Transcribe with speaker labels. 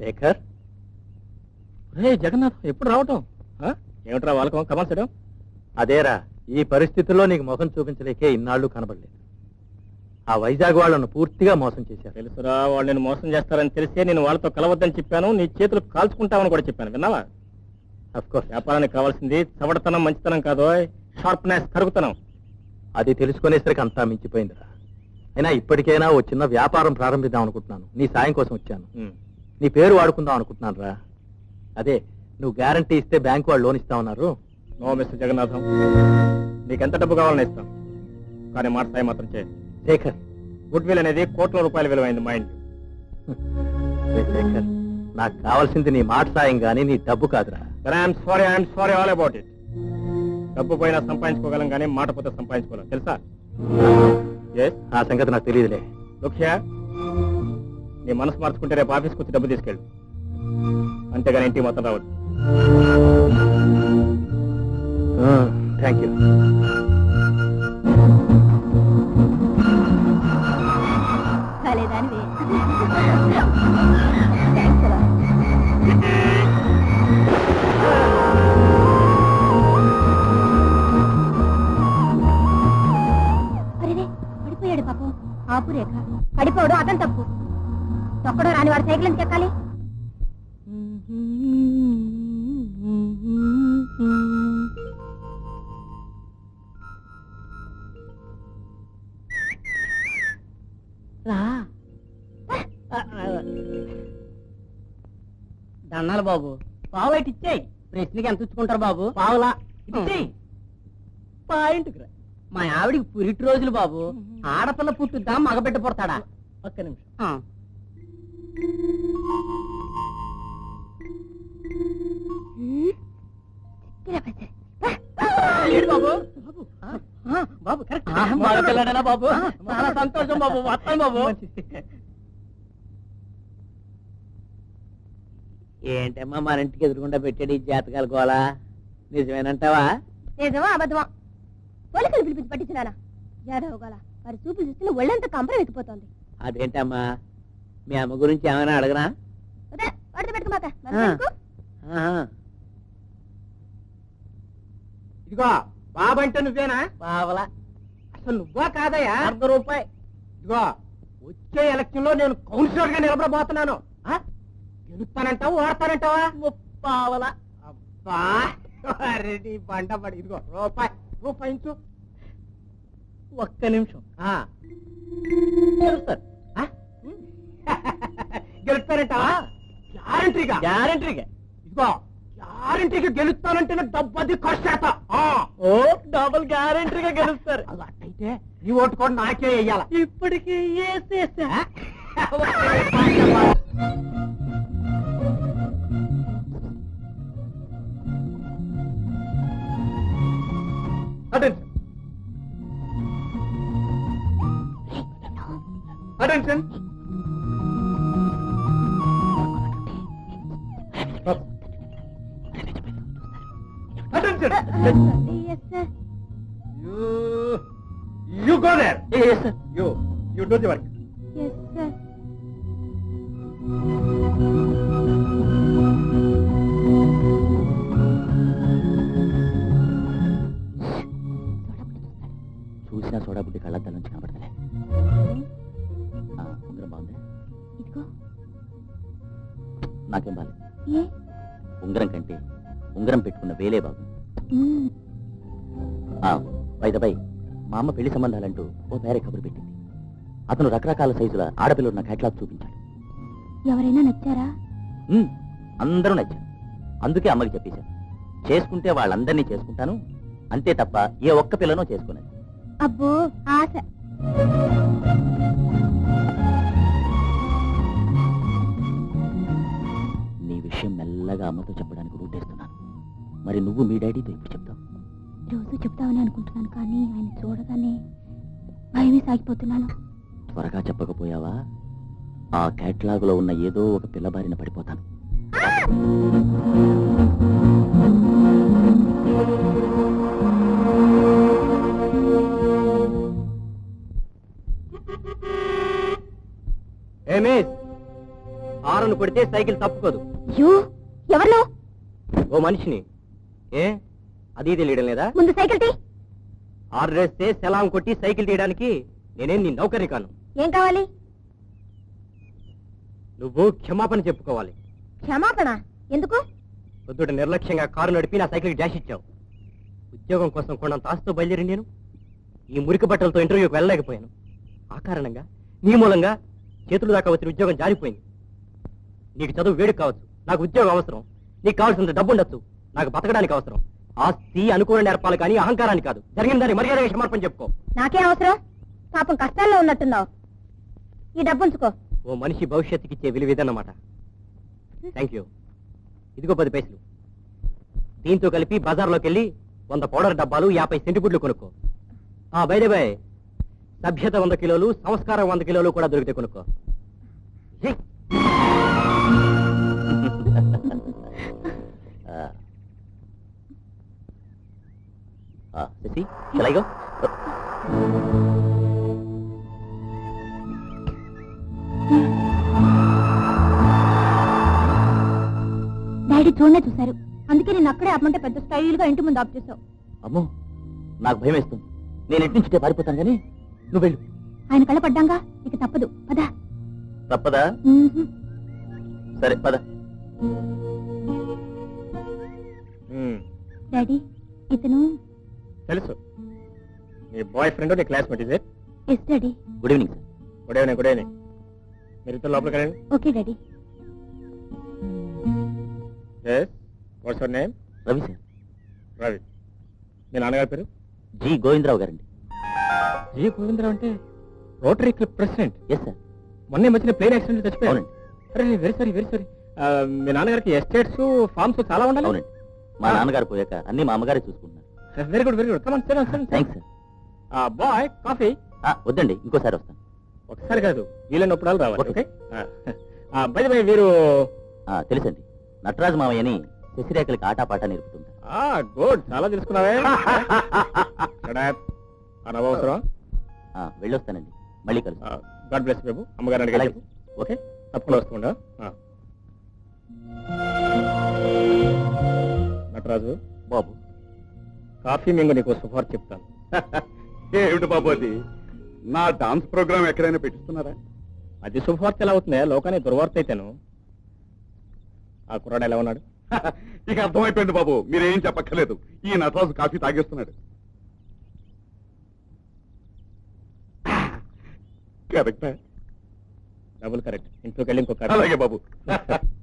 Speaker 1: శేఖర్, రే జగన్నాథ్, ఎప్పుడు రావటం? ఏమిట్రా వాళ్ళకం కమల్సడం? అదేరా, ఈ పరిస్థితుల్లో నీకు ముఖం చూపించలేకే ఇన్నాళ్ళు కనబడలేదు. ఆ వైజాగ్ వాళ్ళను పూర్తిగా మోసం చేశారు. తెలుసురా, వాళ్ళు నేను మోసం చేస్తారని తెలిసే నేను వాళ్ళతో కలవద్దని చెప్పాను. నీ చేతులు కాల్చుకుంటామని కూడా చెప్పాను, విన్నావా? అఫ్కోర్స్, వ్యాపారానికి కావాల్సింది చవడతనం, మంచితనం కాదు, షార్ప్నెస్, కరుగుతనం. అది తెలుసుకునేసరికి అంతా మించిపోయిందిరా. అయినా ఇప్పటికైనా ఓ చిన్న వ్యాపారం ప్రారంభిద్దాం అనుకుంటున్నాను. నీ సాయం కోసం వచ్చాను. నీ పేరు వాడుకుందాం అనుకుంటున్నాను రా. అదే, నువ్వు గ్యారంటీ ఇస్తే బ్యాంకు వాళ్ళు లోన్ ఇస్తామన్నారు. నో మిస్టర్ జగన్నాథం, నీకెంత డబ్బు కావాలని ఇస్తాం, కానీ మాట సాయం మాత్రం చేయండి. శేఖర్, గుడ్ విల్ అనేది కోట్ల రూపాయల విలువైంది, మైండ్. శేఖర్, నాకు కావాల్సింది నీ మాట సాయం గానీ నీ డబ్బు కాదురా. I'm sorry all about it. డబ్బు పోయినా సంపాదించుకోగలం కానీ మాట పోతే సంపాదించుకోలేం, తెలుసా? ఆ సంగతి నాకు తెలియదులే. లుఖ్యా, నీ మనసు మార్చుకుంటే రేపు ఆఫీస్కి వచ్చి డబ్బు తీసుకెళ్ళు, అంతేగాని ఇంటికి మొత్తం రావద్దు. Thank you.
Speaker 2: పడిపోయాడు పాపం. ఆపు రేఖ, పడిపోవడం అతను తప్పు. తొక్కడో రాని వాడు సైకిల్ ఎందుకు ఎక్కాలి?
Speaker 3: దన్నాలు బాబు, పావు అయితే ఇచ్చేయి. ప్రశ్నకి ఎంత ఇచ్చుకుంటారు బాబు? పావులా ఇచ్చేయి. పాయింట్కి రా. మా ఆవిడికి పురిటి రోజులు బాబు. ఆడపిల్ల పుట్టుద్దా, మగబిడ్డ పుడతాడా? ఒక్క నిమిషం. బాబు బాబు కరెక్ట్. మగపిల్లడేనా బాబు? చాలా సంతోషం బాబు. వస్తాను బాబు. ఏంటమ్మా మన ఇంటికి ఎదురుకుండా పెట్టాడు ఈ జాతకాల గోళ? నిజమేనంటావా?
Speaker 2: నిజమా అబద్ధమా? పోలీసులు పిలిపించి పట్టించినానా? యాదవ్ గోళ వారి చూపులు చూస్తే ఒళ్ళంతా కంపరం ఎక్కిపోతుంది.
Speaker 3: అదేంటమ్మా, మీ అమ్మ గురించి ఏమైనా అడగనా?
Speaker 2: వాడితో పెట్టుకోమాక.
Speaker 1: ఇదిగో బాబంటే నువ్వేనా?
Speaker 3: పావలా.
Speaker 1: అసలు నువ్వా కాదయ్యా?
Speaker 3: ₹100.
Speaker 1: ఇదిగో, వచ్చే ఎలక్షన్ లో నేను కౌన్సిలర్ గా నిలబడబోతున్నాను. గెలుస్తానంటావు, ఓడతానంటావా?
Speaker 3: పావలా.
Speaker 1: అబ్బా, నీ బండ పడి. ఇదిగో రూపాయించు.
Speaker 3: ఒక్క నిమిషం.
Speaker 1: గెలుస్తారు. గెలుస్తానంటావా? గ్యారంటీగా.
Speaker 3: గ్యారంటీగా.
Speaker 1: ఇదిగో, గ్యారంటీగా గెలుస్తానంటే డబ్బు అది ఖర్చేత.
Speaker 3: ఓ, డబుల్ గ్యారంటీగా గెలుస్తారు.
Speaker 1: అలాంటైతే నీ ఓటు కూడా నాకే వెయ్యాల.
Speaker 3: ఇప్పటికి వేసేసా.
Speaker 1: Attention. Attention. Attention.
Speaker 2: Yes, sir.
Speaker 1: You go there.
Speaker 3: Yes, sir.
Speaker 1: You do the work.
Speaker 2: Yes, sir.
Speaker 3: చూసినా సోడా బుద్ధి కళ్ళద్దాల నుంచి కనబడతలే. ఉంగరం బాగుంది.
Speaker 2: ఇదిగో.
Speaker 3: నాకేం బాలేదు. ఉంగరం కంటే ఉంగరం పెట్టుకున్న వేలే బాగుంది. బై మా అమ్మ పెళ్లి సంబంధాలంటూ ఓ పేరే కబురు పెట్టింది. అతను రకరకాల సైజుల ఆడపిల్లలు నా క్యాట్లాగ్ చూపించాడు.
Speaker 2: ఎవరైనా నచ్చారా?
Speaker 3: అందరూ నచ్చారు. అందుకే అమ్మకి చెప్పేశాను, చేసుకుంటే వాళ్ళందరినీ చేసుకుంటాను, అంతే తప్ప ఏ ఒక్క పిల్లనో చేసుకునేది.
Speaker 2: అబ్బో, ఆశ.
Speaker 3: నీ విషయం మెల్లగా అమ్మతో చెప్పడానికి రూటేస్తున్నాను. మరి నువ్వు మీ డాడీతో ఎప్పుడు చెప్తావు?
Speaker 2: రోజు చెప్తామని అనుకుంటున్నాను, కానీ ఆయన చూడగానే భయమే సాగిపోతున్నాను.
Speaker 3: త్వరగా చెప్పకపోయావా ఆ క్యాట్లాగ్ లో ఉన్న ఏదో ఒక పిల్ల బారిన పడిపోతాను. హారను కొడితే సైకిల్ తప్పుకోదు.
Speaker 2: యూ ఎవరు
Speaker 3: ఓ మనిషిని. ఏ అది తెలియడం లేదా?
Speaker 2: ముందు సైకిల్ తీ.
Speaker 3: హార్ వేస్తే సెలాం కొట్టి సైకిల్ తీయడానికి నేనేం నీ నౌకర్ని కాను.
Speaker 2: ఏం కావాలి?
Speaker 3: నువ్వు క్షమాపణ చెప్పుకోవాలి.
Speaker 2: క్షమాపణ ఎందుకు?
Speaker 3: పొద్దుట నిర్లక్ష్యంగా కారు నడిపి నా సైకిల్కి డాష్ ఇచ్చావు. ఉద్యోగం కోసం కొండంత ఆస్తితో బయలుదేరి నేను ఈ మురికి బట్టలతో ఇంటర్వ్యూకి వెళ్ళలేకపోయాను. ఆ కారణంగా నీ మూలంగా చేతులు దాకా వచ్చిన ఉద్యోగం జారిపోయింది. నీకు చదువు వేడికి కావచ్చు, నాకు ఉద్యోగం అవసరం. నీకు కావాల్సినంత డబ్బు ఉండొచ్చు, నాకు బతకడానికి అవసరం. ఆస్తి అనుకూల నేర్పాలి కానీ అహంకారాన్ని కాదు. జరిగిన దాన్ని మర్యాదగా క్షమాపణ చెప్పుకో.
Speaker 2: నాకేం అవసరం? పాపం కష్టాల్లో ఉన్నట్టున్నావు. ఈ డబ్బు ఉంచుకో.
Speaker 3: ఓ మనిషి భవిష్యత్తుకి ఇచ్చే విలువ ఇదన్నమాట. Thank you. ఇదిగో 10 పైసలు. దీంతో కలిపి బజార్లోకి వెళ్ళి 100 పౌడర్ డబ్బాలు 50 సెంటిగుడ్లు కొనుక్కో. బై సభ్యత 100 కిలోలు, సంస్కారం 100 కిలోలు కూడా దొరికితే కొనుక్కో. ఏయ్. Sashi, shall I go?
Speaker 2: Daddy చూడనే చూశారు, అందుకే నేను అక్కడే ఆపమంటే పెద్ద స్టైల్ గా ఇంటి ముందు ఆప్ చేసావు.
Speaker 1: అమ్మో, నాకు భయం వేస్తుంది. నేను ఇంటి నుంచి పారిపోతాను కానీ నువ్వు వెళ్ళు.
Speaker 2: ఆయన కళ్ళ పడ్డాంగా, ఇక తప్పదు. పదా.
Speaker 1: తప్పదా? సరే పద.
Speaker 2: డాడీ, ఇతను
Speaker 1: తెలుసు, నీ బాయ్ ఫ్రెండ్, నీ క్లాస్మేట్. ఇదే.
Speaker 2: Yes daddy.
Speaker 1: Good evening sir. Good evening. Good evening. మీరు ఇద్దరు లోపలికి రండి.
Speaker 2: Okay daddy.
Speaker 1: What's your name?
Speaker 4: Ravi sir.
Speaker 1: Ravi. మీ నాన్నగారి పేరు?
Speaker 4: జి గోవిందరావు గారండి.
Speaker 1: జి గోవిందరావు అంటే rotary club president?
Speaker 4: Yes sir.
Speaker 1: మొన్నే మధ్యన ప్లేన్ యాక్సిడెంట్ చచ్చిపోయారు.
Speaker 4: అవునండి.
Speaker 1: అరే వెరీ సారీ, వెరీ సారీ. మీ నాన్నగారికి ఎస్టేట్స్, ఫార్మ్స్ చాలా ఉండాలి.
Speaker 4: అవునండి. మా నాన్నగారు పోయాక అన్ని మా అమ్మగారే చూసుకుంటున్నారు.
Speaker 1: Very good, very good. Come on sir.
Speaker 4: Thanks sir.
Speaker 1: Boy, coffee?
Speaker 4: వద్దండి, ఇంకోసారి వస్తాను.
Speaker 1: ఒకసారి కాదు, వీలైనప్పుడు రావాలి.
Speaker 4: ఓకే.
Speaker 1: ఓకే. బై బై, మీరు
Speaker 4: తెలుసండి, నటరాజు మామయ్యని శశిరేఖలకి ఆటపాట నేర్పుతుంటారు.
Speaker 1: గుడ్, చాలా తెలుసుకున్నావే. అనవసరం.
Speaker 4: వెళ్ళొస్తానండి, మళ్ళీ కలుసు.
Speaker 1: గాడ్ బ్లెస్ బాబు. అమ్మగారు అడిగారు.
Speaker 4: అలాగే.
Speaker 1: ఓకే, తప్పకుండా వస్తుండా. నటరాజు
Speaker 4: బాబు,
Speaker 1: కాఫీ మింగు నీకు శుభార్ చెప్తాను.
Speaker 5: ఏమిటి బాబు అది? నా డాన్స్ ప్రోగ్రామ్ ఎక్కడైనా పెట్టిస్తున్నారా?
Speaker 1: అది శుభవార్త ఎలా అవుతుంది? లోకానికి దుర్వార్త అయితేను. ఆ కుర్రాడు ఎలా ఉన్నాడు?
Speaker 5: ఇక అర్థమైపోయింది బాబు, మీరేం చెప్పక్కర్లేదు. ఈ నటరాజు కాఫీ తాగేస్తున్నాడు. కరెక్టా?
Speaker 1: Double correct. ఇంట్లోకి వెళ్ళి ఇంకొక
Speaker 5: అలాగే బాబు.